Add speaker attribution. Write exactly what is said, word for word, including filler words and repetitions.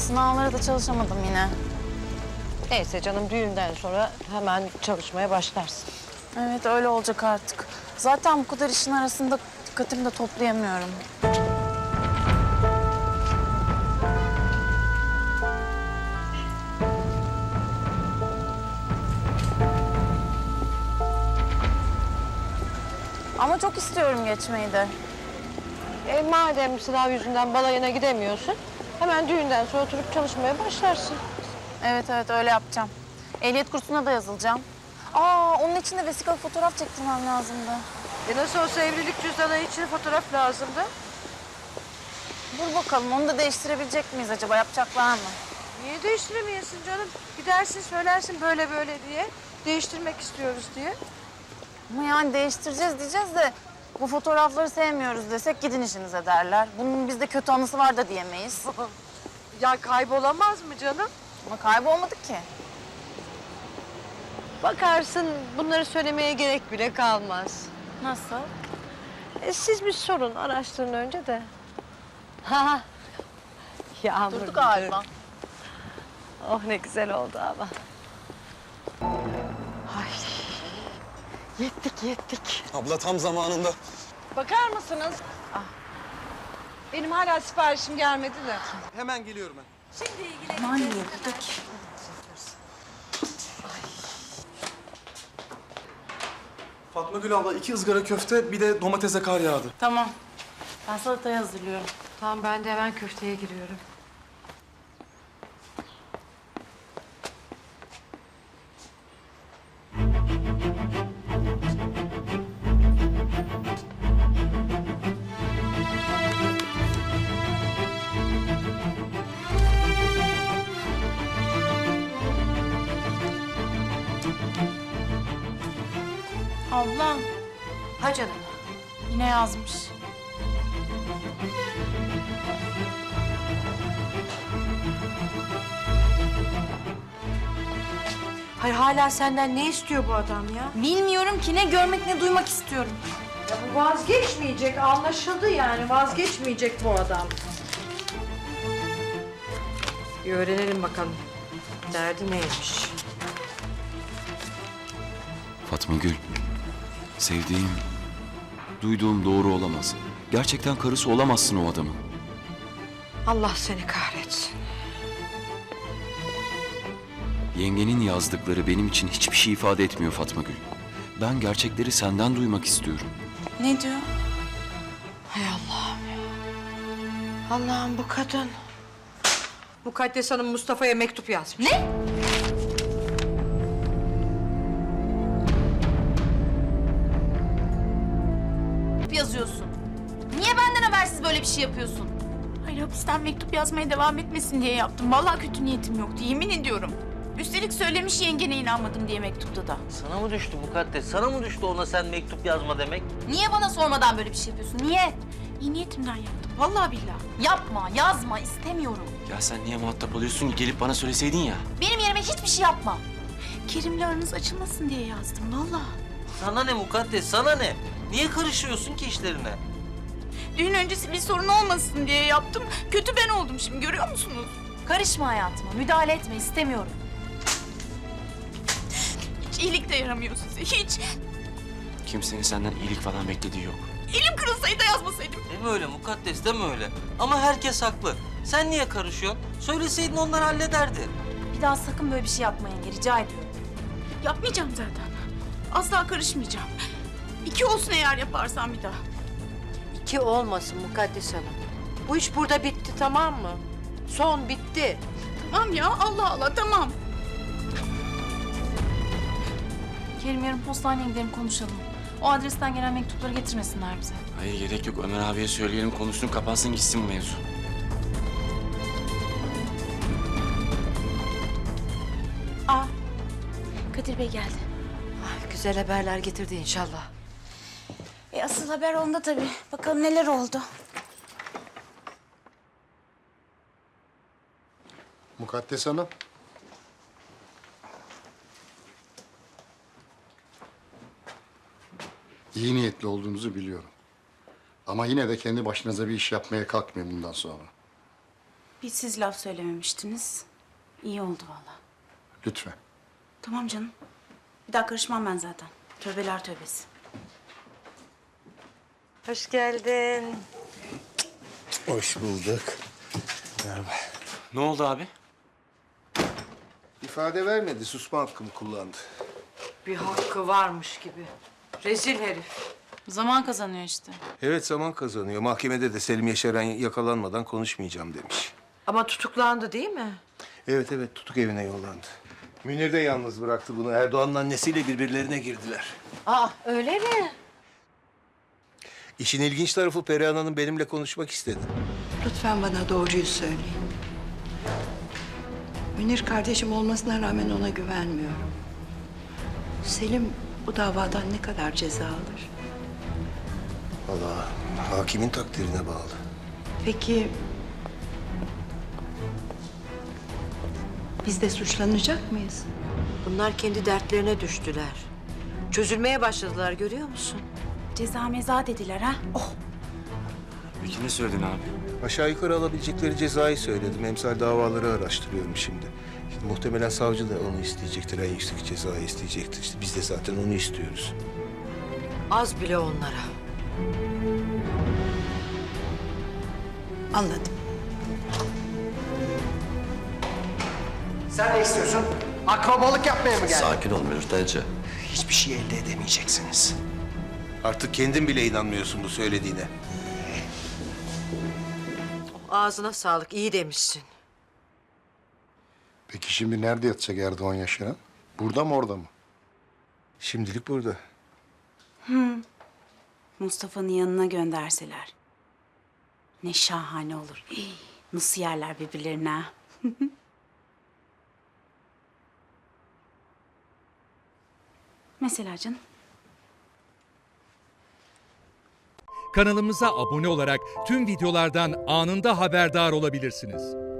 Speaker 1: Sınavlara da çalışamadım yine.
Speaker 2: Neyse canım, düğünden sonra hemen çalışmaya başlarsın.
Speaker 1: Evet, öyle olacak artık. Zaten bu kadar işin arasında dikkatimi de toplayamıyorum. Ama çok istiyorum geçmeyi de.
Speaker 2: E, madem sınav yüzünden balayına gidemiyorsun, hemen düğünden sonra oturup çalışmaya başlarsın.
Speaker 1: Evet evet, öyle yapacağım. Ehliyet kursuna da yazılacağım. Aa, onun için de vesikalı fotoğraf çektirmem lazımdı.
Speaker 2: E nasıl olsa evlilik cüzdanı için fotoğraf lazımdı.
Speaker 1: Dur bakalım, onu da değiştirebilecek miyiz acaba? Yapacaklar mı?
Speaker 2: Niye değiştiremeyesin canım? Gidersin söylersin böyle böyle diye. Değiştirmek istiyoruz diye.
Speaker 1: Ama yani değiştireceğiz diyeceğiz de bu fotoğrafları sevmiyoruz desek gidin işinize derler. Bunun bizde kötü anısı var da diyemeyiz.
Speaker 2: Ya kaybolamaz mı canım?
Speaker 1: Ama kaybolmadık ki.
Speaker 2: Bakarsın bunları söylemeye gerek bile kalmaz.
Speaker 1: Nasıl?
Speaker 2: E, siz bir sorun, araştırın önce de. Ha, Yağmur.
Speaker 1: Durdu galiba.
Speaker 2: Oh ne güzel oldu ama. Ay, yettik yettik.
Speaker 3: Abla tam zamanında.
Speaker 4: Bakar mısınız? Ah. Benim hala siparişim gelmedi de.
Speaker 3: Hemen geliyorum ben.
Speaker 1: Aman yettik.
Speaker 3: Fatma Gül abla iki ızgara köfte bir de domatese kar yağdı.
Speaker 1: Tamam. Ben salatayı hazırlıyorum.
Speaker 2: Tamam, ben de hemen köfteye giriyorum.
Speaker 1: Ablam
Speaker 2: Ha canım.
Speaker 1: yine yazmış.
Speaker 2: Hayır, hala senden ne istiyor bu adam ya?
Speaker 1: Bilmiyorum ki, ne görmek ne duymak istiyorum.
Speaker 2: Ya bu vazgeçmeyecek, anlaşıldı yani. Vazgeçmeyecek bu adam. Bir öğrenelim bakalım. Derdi neymiş?
Speaker 5: Fatma Gül, sevdiğim, duyduğum doğru olamaz. Gerçekten karısı olamazsın o adamın.
Speaker 2: Allah seni kahretsin.
Speaker 5: Yengenin yazdıkları benim için hiçbir şey ifade etmiyor Fatma Gül. Ben gerçekleri senden duymak istiyorum.
Speaker 1: Ne diyor?
Speaker 2: Hay Allah'ım ya. Allah'ım, bu kadın. Mukaddes Hanım Mustafa'ya mektup yazmış.
Speaker 1: Ne? Yazıyorsun. Niye benden habersiz böyle bir şey yapıyorsun?
Speaker 6: Hayır, hapisten mektup yazmaya devam etmesin diye yaptım. Vallahi kötü niyetim yoktu, yemin ediyorum. Üstelik söylemiş yengene inanmadım diye mektupta da.
Speaker 7: Sana mı düştü Mukaddes? Sana mı düştü ona sen mektup yazma demek?
Speaker 1: Niye bana sormadan böyle bir şey yapıyorsun? Niye?
Speaker 6: İyi niyetimden yaptım, vallahi billahi.
Speaker 1: Yapma, yazma, istemiyorum.
Speaker 5: Ya sen niye muhatap oluyorsun? Gelip bana söyleseydin ya.
Speaker 1: Benim yerime hiçbir şey yapma.
Speaker 6: Kerim'le aranız açılmasın diye yazdım, vallahi.
Speaker 7: Sana ne Mukaddes? Sana ne? Niye karışıyorsun ki işlerine?
Speaker 6: Düğün öncesi bir sorun olmasın diye yaptım. Kötü ben oldum şimdi, görüyor musunuz?
Speaker 1: Karışma hayatıma, müdahale etme, istemiyorum.
Speaker 6: Hiç iyilik de yaramıyor size, hiç.
Speaker 5: Kimsenin senden iyilik falan beklediği yok.
Speaker 6: Elim kırılsaydı yazmasaydım.
Speaker 7: Deme öyle Mukaddes, deme öyle. Ama herkes haklı. Sen niye karışıyorsun? Söyleseydin onlar hallederdi.
Speaker 1: Bir daha sakın böyle bir şey yapma yenge, rica ediyorum.
Speaker 6: Yapmayacağım zaten. Asla karışmayacağım. İki olsun eğer yaparsam bir daha.
Speaker 2: İki olmasın Mukaddes Hanım. Bu iş burada bitti, tamam mı? Son bitti.
Speaker 6: Tamam ya, Allah Allah, tamam.
Speaker 1: Kerim, yarın postaneye gidelim, konuşalım. O adresten gelen mektupları getirmesinler bize.
Speaker 5: Hayır gerek yok. Ömer abiye söyleyelim, konuşsun, kapansın gitsin bu mevzu.
Speaker 6: Aa, Kadir Bey geldi.
Speaker 2: Ay, güzel haberler getirdi inşallah.
Speaker 6: E asıl haber onda tabii. Bakalım neler oldu.
Speaker 8: Mukaddes Hanım. İyi niyetli olduğunuzu biliyorum. Ama yine de kendi başınıza bir iş yapmaya kalkmayın bundan sonra.
Speaker 6: Bir siz laf söylememiştiniz. İyi oldu vallahi.
Speaker 8: Lütfen.
Speaker 6: Tamam canım. Bir daha karışmam ben zaten. Tövbeler tövbesi.
Speaker 2: Hoş geldin.
Speaker 9: Hoş bulduk.
Speaker 5: Ne oldu abi?
Speaker 9: İfade vermedi, susma hakkımı kullandı.
Speaker 2: Bir hakkı varmış gibi. Rezil herif.
Speaker 1: Zaman kazanıyor işte.
Speaker 9: Evet, zaman kazanıyor. Mahkemede de Selim Yaşaran yakalanmadan konuşmayacağım demiş.
Speaker 2: Ama tutuklandı değil mi?
Speaker 9: Evet evet, tutuk evine yollandı. Münir de yalnız bıraktı bunu. Erdoğan'ın annesiyle birbirlerine girdiler.
Speaker 2: Aa öyle mi?
Speaker 9: İşin ilginç tarafı Perihan Hanım benimle konuşmak istedi.
Speaker 10: Lütfen bana doğruyu söyleyin. Münir kardeşim olmasına rağmen ona güvenmiyorum. Selim bu davadan ne kadar ceza alır?
Speaker 9: Vallahi hakimin takdirine bağlı.
Speaker 10: Peki biz de suçlanacak mıyız?
Speaker 2: Bunlar kendi dertlerine düştüler. Çözülmeye başladılar görüyor musun?
Speaker 6: Ceza meza dediler ha. Oh.
Speaker 5: Peki ne söyledin abi?
Speaker 9: Aşağı yukarı alabilecekleri cezayı söyledim. Emsal davaları araştırıyorum şimdi. Şimdi muhtemelen savcı da onu isteyecektir. En yüksek cezayı isteyecektir. İşte biz de zaten onu istiyoruz.
Speaker 2: Az bile onlara.
Speaker 10: Anladım.
Speaker 11: Sen ne istiyorsun? Akrobalık yapmaya mı geldin?
Speaker 7: Sakin ol Mürtelce.
Speaker 11: Hiçbir şey elde edemeyeceksiniz.
Speaker 9: Artık kendin bile inanmıyorsun bu söylediğine.
Speaker 2: Ağzına sağlık iyi demişsin.
Speaker 8: Peki şimdi nerede yatacak Erdoğan Yaşaran? Burada mı, orada mı?
Speaker 9: Şimdilik burada.
Speaker 6: Mustafa'nın yanına gönderseler. Ne şahane olur. Hii, nasıl yerler birbirlerine ha? Mesela canım.
Speaker 12: Kanalımıza abone olarak tüm videolardan anında haberdar olabilirsiniz.